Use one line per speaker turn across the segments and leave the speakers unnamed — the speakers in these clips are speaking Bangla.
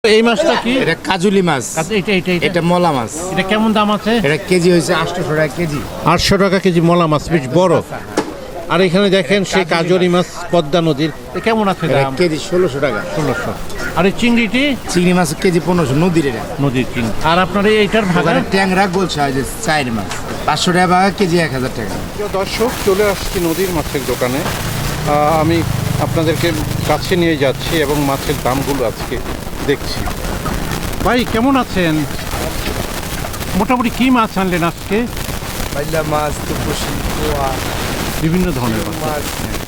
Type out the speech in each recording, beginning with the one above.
এই মাছটা কি?
এটা কাজুলি মাছ।
আচ্ছা, এটা
মলা মাছ।
এটা কেমন দাম আছে?
এটা কেজি হয়েছে 800 টাকা কেজি।
800 টাকা কেজি মলা মাছ, বেশ বড়। আর এখানে দেখেন সেই কাজলি মাছ পদ্মা নদীর, কেমন আছে দাম?
কেজি 1600 টাকা।
1600। আর এই চিংড়িটি?
চিংড়ি মাছ কেজি 1500 নদীর, এটা
নদীর চিংড়ি। আর আপনার এইটার ভাগা
ট্যাংরা গোলসা যে চাইর মাছ 500 টাকা ভাগা কেজি 1000 টাকা।
দর্শক, চলে আসছি নদীর মাছের দোকানে। আমি আপনাদেরকে কাছে নিয়ে যাচ্ছি এবং মাছের দামগুলো আজকে দেখছি। ভাই কেমন আছেন? মোটামুটি কি মাছ আনলেন আজকে?
বাইলা মাছ, তুপসি, পোয়া,
বিভিন্ন ধরনের মাছ।
মাছ।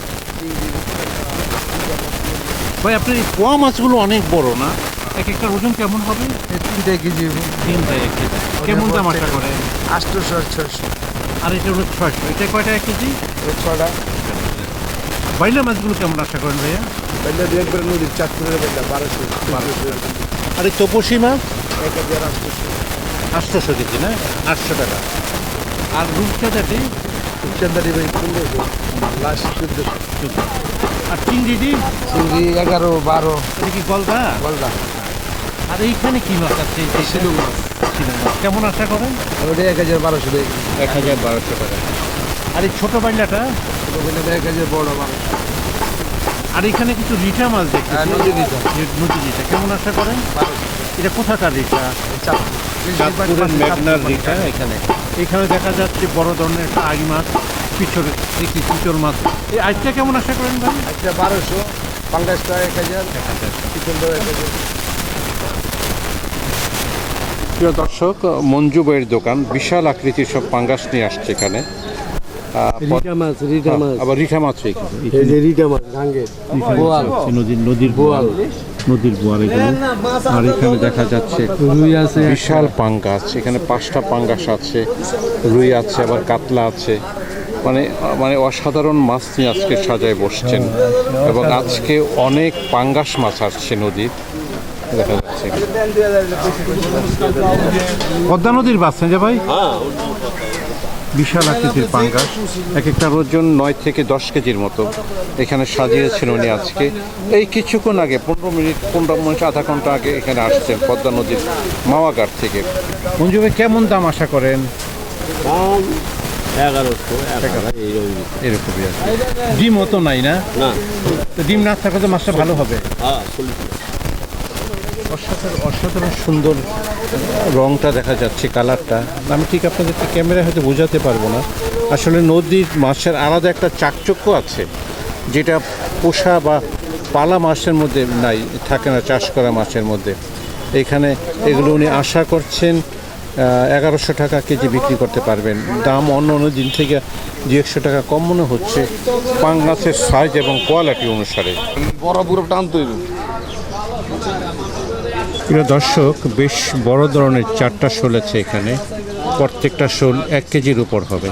ভাই আপনার এই পোয়া মাছগুলো অনেক বড় না? এক একটা ওজন কেমন হবে?
3 কেজি।
3 কেজি। কেমন দাম আশা করে?
800 600।
আর এটা হলো 600। এটা কয়টা এক কেজি?
6টা।
বাইলা মাছগুলো কেমন আশা করেন ভাইয়া?
বাইলা দুই একবার নদীর চাঁদপুরের বাইলা 1200।
আর এই তপসী মাছ?
1800।
800 কেজি না? 800 টাকা। আর রূপচাঁদাটি?
রূপচাঁদাটি ভাই 1500, লাস্ট 1400।
আর চিংড়িটি?
চিংড়ি 11 12।
এটা কি গলদা?
গলদা।
আর এইখানে কি মাছ আছে?
শিলুক মাছ।
শিলুক মাছ কেমন আশা করেন?
ওটা 1200 টাকা।
1200 টাকা। আর এই ছোট বাইলাটা?
ছোট বাইলাটা 1000, বড় 1200।
আর এখানে কিছু রিঠা মাছ দেখছি।
নদী রিঠা।
নদী রিঠা কেমন আশা করেন?
1200।
এটা কোথাকার রিঠা? চাঁদপুরের মেঘনার রিঠা। এখানে দেখা যাচ্ছে বড় ধরনের একটা আড়ি মাছ, পিছর দেখি পিছর মাছ। এই আজটা কেমন আশা করেন ভাই?
আজকে 1200, পাঙ্গাসটা 1000, চিতলটা 1000।
প্রিয় দর্শক, মঞ্জু বইয়ের দোকান, বিশাল আকৃতির সব পাঙ্গাস নিয়ে আসছে এখানে। আবার রিঠা মাছ, নদীর বোয়াল এগুলো। আর এখানে দেখা যাচ্ছে বিশাল পাঙ্গাস। এখানে 5টা পাঙ্গাস আছে, রুই আছে, আবার কাতলা আছে। মানে অসাধারণ মাছ নিয়ে আজকে সাজায় বসছেন। এবং আজকে অনেক পাঙ্গাস মাছ আসছে নদীর, দেখা যাচ্ছে। পদ্মা নদীর বাসছেন যে ভাই? বিশাল আকৃতির পাঙ্গাস, এক একটা ওজন 9 থেকে 10 কেজির মতো এখানে সাজিয়েছেন উনি আজকে। এই কিছুক্ষণ আগে 15 মিনিট আধা ঘন্টা আগে এখানে আসছেন পদ্মা নদীর মাওয়াঘাট থেকে। মঞ্জু ভাই কেমন দাম আশা করেন?
1100
এরকমই আছে। ডিম অত নাই না? তো ডিম না থাকলে তো মাছটা ভালো হবে। অসাধারণ সুন্দর রংটা দেখা যাচ্ছে, কালারটা। আমি ঠিক আপনাদেরকে ক্যামেরায় হয়তো বোঝাতে পারবো না। আসলে নদীর মাছের আলাদা একটা চাকচক্য আছে, যেটা পোষা বা পালা মাছের মধ্যে নাই, থাকে না চাষ করা মাছের মধ্যে। এখানে এগুলো উনি আশা করছেন 1100 টাকা কেজি বিক্রি করতে পারবেন। দাম অন্য দিন থেকে 200 টাকা কম মনে হচ্ছে, পাঙ্গাসের সাইজ এবং কোয়ালিটি অনুসারে।
বড় পুরো টান তৈরি।
প্রিয় দর্শক, বেশ বড় ধরনের 4টা শোল আছে এখানে। প্রত্যেকটা শোল 1 কেজির উপর হবে।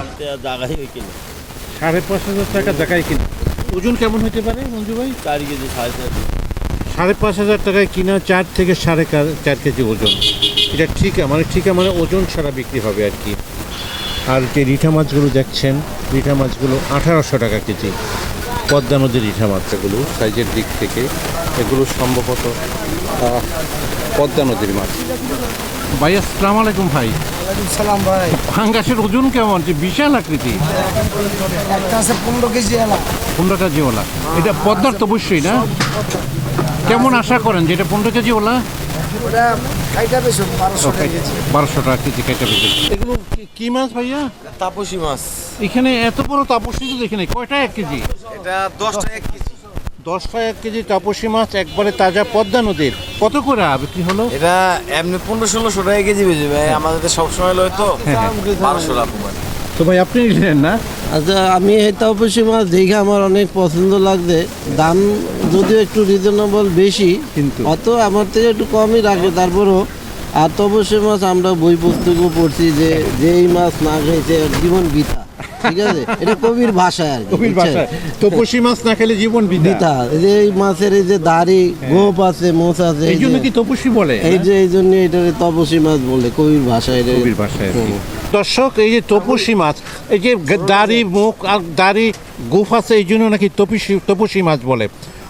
5,500 টাকা জায়গায় কিনে। ওজন কেমন হতে পারে মঞ্জু ভাই?
4 কেজি
5,500 টাকায় কিনা 4 থেকে 4.5 কেজি ওজন। এটা ঠিক মানে ওজন ছাড়া বিক্রি হবে আর কি। আর যে রিঠা মাছগুলো দেখছেন, রিঠা মাছগুলো 1800 টাকা কেজি। পদ্মা নদীর রিঠা মাছগুলো সাইজের দিক থেকে এগুলো সম্ভবত পদ্মা নদীর মাছ। ভাই আসসালামু আলাইকুম। ভাই
সালাম ভাই।
পাঙ্গাসের ওজন কেমন? যে বিশাল আকৃতি।
একটা আছে 15 কেজি এলা।
15 কেজি ওলা। এটা পদ্মার তো অবশ্যই না? কেমন আশা করেন যে এটা 15 কেজি ওলা?
ওটা খাইটা বেশি 1200 টাকা কেজি।
1200 টাকা কেজি খাইটা বেশি। এগুলো কি মাছ ভাইয়া?
তাপসী মাছ।
এখানে এত বড় তাপসী তো দেখি নাই। কয়টা 1 কেজি?
এটা 10 টাকা 1 কেজি।
10টা 1 কেজি তাপসী মাছ, একবারে তাজা পদ্মা নদীর। কত করে বিক্রি হলো?
এটা এমনি 1500-1600 টাকা কেজি বেচে ভাই, আমাদের সব সময় লয় তো 1200 টাকা।
তো ভাই আপনি নিলেন না?
আচ্ছা, আমি এই তাপসী মাছ দেখে আমার অনেক পছন্দ লাগছে। দাম যদিও একটু রিজনেবল বেশি,
কিন্তু
অত আমার থেকে একটু কমই রাখবে। তারপরও আর তপসী মাছ আমরা বই পুস্তকও পড়ছি যে এই মাছ না খেয়েছে জীবন বৃথা। ঠিক আছে, এটা কবির ভাষায় আর কি।
কবির ভাষায় তপসী মাছ না খেলে জীবন
বৃথা। যে এই মাছের এই যে দাড়ি, গোপ আছে, মোচ আছে,
এই জন্য কি তপসী বলে?
এই জন্য এটাকে তপসী মাছ বলে কবির ভাষায়।
কবির ভাষায়। দর্শক, এই যে তপসী মাছ, এই যে দাড়ি মুখ আর দাড়ি গোফ আছে, এই জন্য নাকি তপসী মাছ বলে।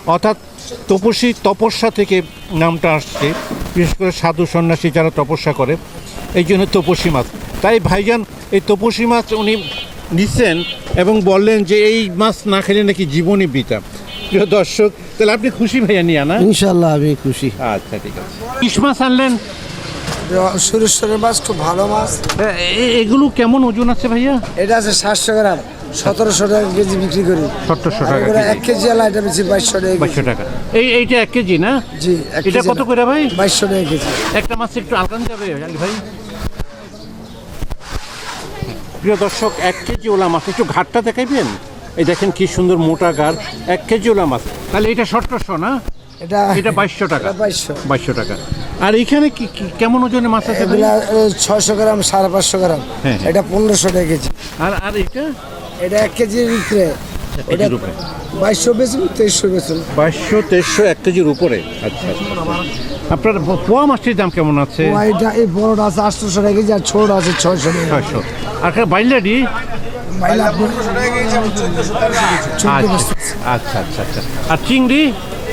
অর্থাৎ তপস্যা থেকে নামটা আসছে, বিশেষ করে সাধু সন্ন্যাসী যারা তপস্যা করে, এই জন্য তপস্বী মাছ। তাই ভাইজান এই তপস্বী মাছ উনি নিচ্ছেন এবং বললেন যে এই মাছ না খেলে নাকি জীবনই বৃথা। প্রিয় দর্শক, তাহলে আপনি খুশি ভাইয়া নিয়া না?
ইনশাল্লাহ আমি খুশি।
আচ্ছা ঠিক আছে। ইলিশ মাছ আনলেন,
সুরেশ্বরের মাছ খুব ভালো মাছ।
এগুলো কেমন ওজন আছে ভাইয়া?
এটা আছে 700 গ্রাম, 1700 টাকা কেজি বিক্রি করি।
1700 টাকা
এগুলো
কেজি।
1 কেজি আলা এটা বেশি 2200 টাকা কেজি।
2200 টাকা। এইটা 1 কেজি না?
জি, 1
এটা
কেজি
কত করে ভাই?
2200 টাকা কেজি।
একটা মাছ একটু আলকান যাবে আলী ভাই? প্রিয় দর্শক, 1 কেজি ওলা মাছ, একটু ঘাটটা দেখাইবেন? এই দেখেন কি সুন্দর মোটা গাড়, 1 কেজি ওলা মাছ। তাহলে এটা 1700 না?
এটা
2200 টাকা।
2200
টাকা। আর এখানে কেমন ওজনের মাছ আছে ভাই?
এগুলা 600 গ্রাম, 550 গ্রাম।
হ্যাঁ।
এটা 1500 টাকা কেজি।
আর এটা
এটা 1 কেজির উপরে। এটা 2200 বেচুন, 2300 বেচুন।
2200-2300 1 কেজির উপরে। আচ্ছা আচ্ছা। আপনার পোয়া মাছটির দাম কেমন আছে?
এটা এই বড়টা আছে 800 টাকা কেজি, আর ছোট আছে 600 টাকা।
600। আর বাইলাডি?
মাইলা আপনি
আচ্ছা আচ্ছা আচ্ছা। আর চিংড়ি?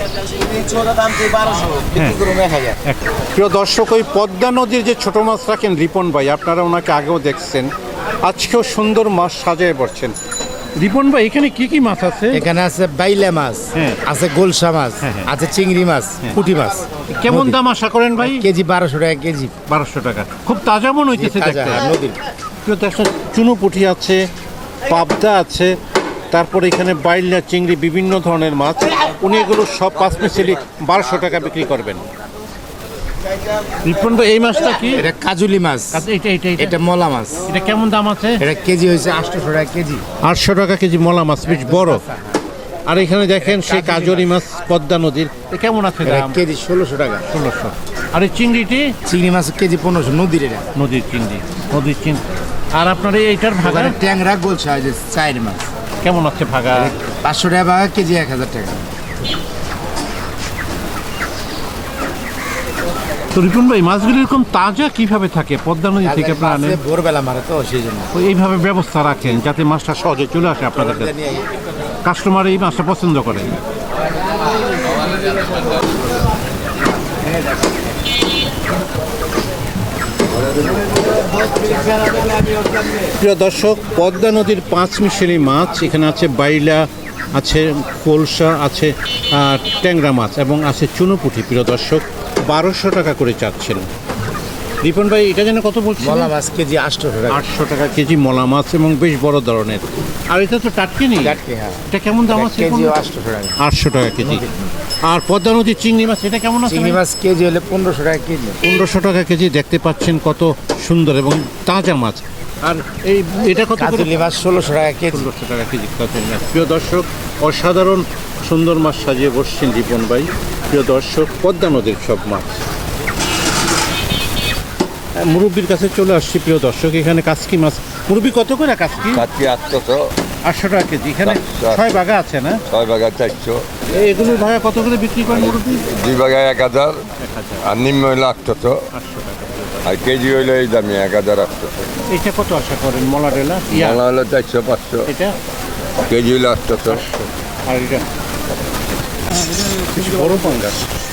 প্রিয় দর্শক, ওই পদ্মা নদীর যে ছোট মাছ রাখেন রিপন ভাই, আপনারা ওনাকে আগেও দেখছেন, আজকেও সুন্দর মাছ সাজায় পড়ছেন। রিপন ভাই, এখানে কি কি মাছ আছে?
এখানে আছে বাইলা মাছ,
হ্যাঁ।
আছে গোলসা মাছ,
হ্যাঁ, হ্যাঁ।
আছে চিংড়ি মাছ, পুঁটি মাছ।
কেমন
নদীর।
দাম আশা করেন ভাই?
কেজি 1200 টাকা কেজি।
1200 টাকা। খুব তাজা মনে হইতেছে
তাজা,
দেখতে।
হ্যাঁ, নদীর।
প্রিয় দর্শক, চুনো পুঁটি আছে, পাবদা আছে, তারপরে এখানে বাইলা, চিংড়ি, বিভিন্ন ধরনের মাছ। উনি এগুলো সব 5 মিশিয়ে 1200 টাকা বিক্রি করবেন। রিপন ভাই, এই মাছটা কি?
এটা কাজুলি মাছ,
আচ্ছা, এটা
এটা মলা মাছ।
এটা কেমন দাম আছে?
এটা কেজি হয়েছে 800 টাকা কেজি।
800 টাকা কেজি মলা মাছ, বেশ বড়। আর এখানে দেখেন সেই কাজরি মাছ পদ্মা নদীর, এ কেমন আছে
এটা
দাম?
কেজি 1600 টাকা।
1600। আর এই চিংড়িটি?
চিংড়ি মাছ কেজি 1500 নদীর। এটা
নদীর চিংড়ি। আর আপনার এইটার ভাগা
ওখানে ট্যাংরা গোলসা যে চাইর মাছ
কেমন আছে ভাগা?
500 টাকা ভাগা, কেজি 1000 টাকা।
তো রিপুন ভাই, মাছগুলো এরকম তাজা কিভাবে থাকে পদ্মা নদী থেকে আপনারা আনেন?
ভোরবেলা মারে তো সেই জন্য।
এইভাবে ব্যবস্থা রাখেন যাতে মাছটা সহজে চলে আসে আপনাদের কাছে, কাস্টমার এই মাছটা পছন্দ করে। প্রিয় দর্শক, পদ্মা নদীর 5 মিশালি মাছ, এখানে আছে বাইলা, আছে কলসা, আছে ট্যাংরা মাছ এবং আছে চুনোপুঁটি। প্রিয় দর্শক, 1200 টাকা করে চাচ্ছেন। রিপন ভাই, এটা যেন কত বলছেন?
মলা মাছ কেজি 800 টাকা।
800 টাকা কেজি মলা মাছ এবং বেশ বড় ধরনের। আর এটা তো টাটকিনি,
টাটকি, হ্যাঁ।
এটা কেমন দাম আছে?
কেজি 800 টাকা।
800 টাকা কেজি। আর পদ্মা নদীর চিংড়ি মাছ, এটা কেমন আছে?
চিংড়ি মাছ কেজি হলে 1500 টাকা কেজি।
1500 টাকা কেজি। দেখতে পাচ্ছেন কত সুন্দর এবং তাজা মাছ। আর এটা কত করে?
কাজুলি মাছ 1600 টাকা কেজি।
1600 টাকা কেজি কাতল মাছ। প্রিয় দর্শক, অসাধারণ সুন্দর মাছ সাজিয়ে বসছেন রিপন ভাই। প্রিয় দর্শক, পদ্মা নদীর সব মাছ। মুরব্বির কাছে চলে আসছি প্রিয় দর্শক, এখানে কাসকি মাছ। মুরব্বি, কত করে কাসকি?
কাটকি 800,
800 টাকা কেজি। এখানে 6 বাগা আছে না?
6 বাগা 400,
এগুলো ভাড়া কত করে বিক্রি করেন মুরব্বি?
2 বাগা 1000, আর নিম্ন হইলো 800,
800 টাকা।
আর কেজি হইলো এই দামি 1800।
এটা কত আশা করেন মলা ডেলা?
মালা হলো 400, 500,
এটা
কেজি হইলো 800।
আর এটা বড় পাঙ্গাস।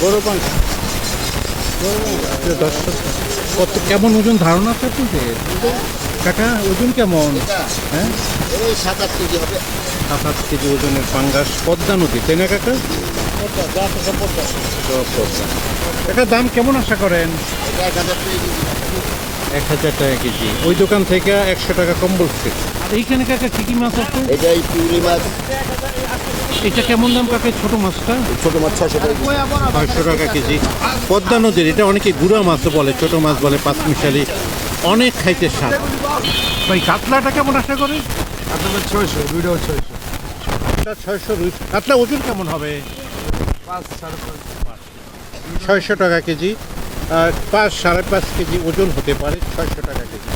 প্রিয় দর্শক, কত কেমন ওজন ধারণা আছে আপনাদের? কাকা, ওজন কেমন? হ্যাঁ,
7-8 কেজি হবে।
7-8 কেজি ওজনের পাঙ্গাস পদ্মা নদী, তাই না কাকা? কাকা, দাম কেমন আশা করেন? 1000 টাকা কেজি। ওই দোকান থেকে 100 টাকা কম বলছে। আর এইখানে কাকা কি কি মাছ আছে?
এটাই চিংড়ি মাছ।
এটা কেমন দাম কাকা? ছোট মাছটা?
ছোট মাছ 600 টাকা।
500 টাকা কেজি। পদ্মা নদীর এটা অনেকে গুড়া মাছও বলে, ছোট মাছ বলে, 5 মিশালি, অনেক খাইতে স্বাদ। ভাই, কাতলাটা কেমন আশা করে?
আপনাদের 600, দুইটাও 600।
600 রুই। কাতলা ওজন কেমন হবে?
5, 5.5।
600 টাকা কেজি। 5, 5.5 কেজি ওজন হতে পারে। 600 টাকা কেজি।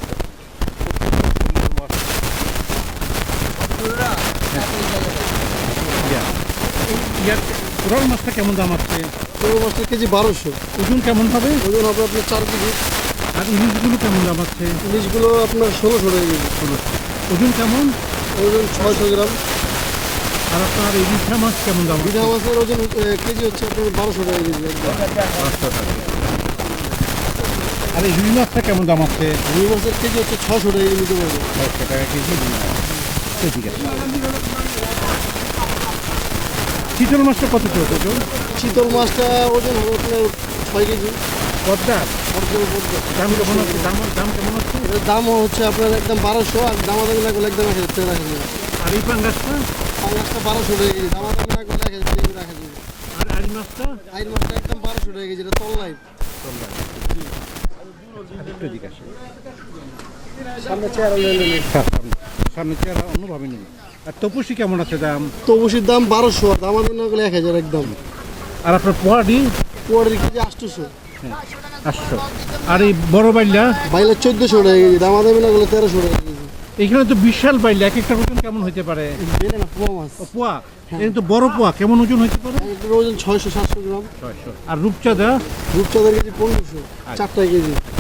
কোরাল মাছটা কেমন দাম আছে?
ছোট মাছটা কেজি 1200,
ওজন কেমন হবে?
ওজন হবে আপনার 4 কেজি।
আর ইলিশগুলো কেমন দাম আছে?
ইলিশগুলো আপনার 1600 টাকা কেজি।
ওজন কেমন?
ওজন 600 গ্রাম।
আর আপনার এই রিঠা মাছ কেমন দাম?
বিঘা মাছের ওজন কেজি হচ্ছে আপনার 1200 টাকা কেজি একদম।
আর এই রুই মাছটা কেমন দাম আছে?
রুই মাছের কেজি হচ্ছে 600 টাকা কেজি নিতে পারবে।
600 টাকা কেজি রুই মাছ। ঠিক আছে। চিতল মাছটা কত করে ওজন?
চিতল মাছটা ওজন হবে আপনার 6 কেজি।
পদ্মা
অর্ধেকের মধ্যে।
দাম কেমন হচ্ছে? দাম কেমন হচ্ছে?
এটার দাম হচ্ছে আপনার একদম 1200 আর দামাদামি না করলে একদম 1000 টাকা রাখা যাবে।
আর এই পাঙ্গাসটা?
পাঙ্গাসটা 1200 টাকা কেজি, দামাদামি না করলে 1000 টাকা রাখা যাবে।
আর আড়ি মাছটা?
আইর মাছটা একদম 1200 টাকা কেজি, এটা তল লাইন।
একটু জিজ্ঞাসা।
সামনে চেহারা লেনদেন।
সামনে চেহারা অন্যভাবে নেই। আর তপসি কেমন আছে দাম?
তবুশির দাম 1200 আর দামাদামি না করলে 1000 একদম।
আর আপনার পোয়াডি?
পোয়ারের কেজি 800।
800। আর এই বড় বাইলা?
বাইলে 1400 টাকা কেজি, দামাদামি না করলে 1300 টাকা কেজি।
এখানে তো বিশাল বাইলা, এক একটা ওজন কেমন হতে পারে?
বেলে না পোয়া মাছ।
ও, পোয়া? এটা তো বড় পোয়া, কেমন ওজন হতে পারে?
এটার ওজন 600-700 গ্রাম।
600। আর রূপচাঁদা?
রূপচাঁদার কেজি 1500, 4 টাকা কেজি।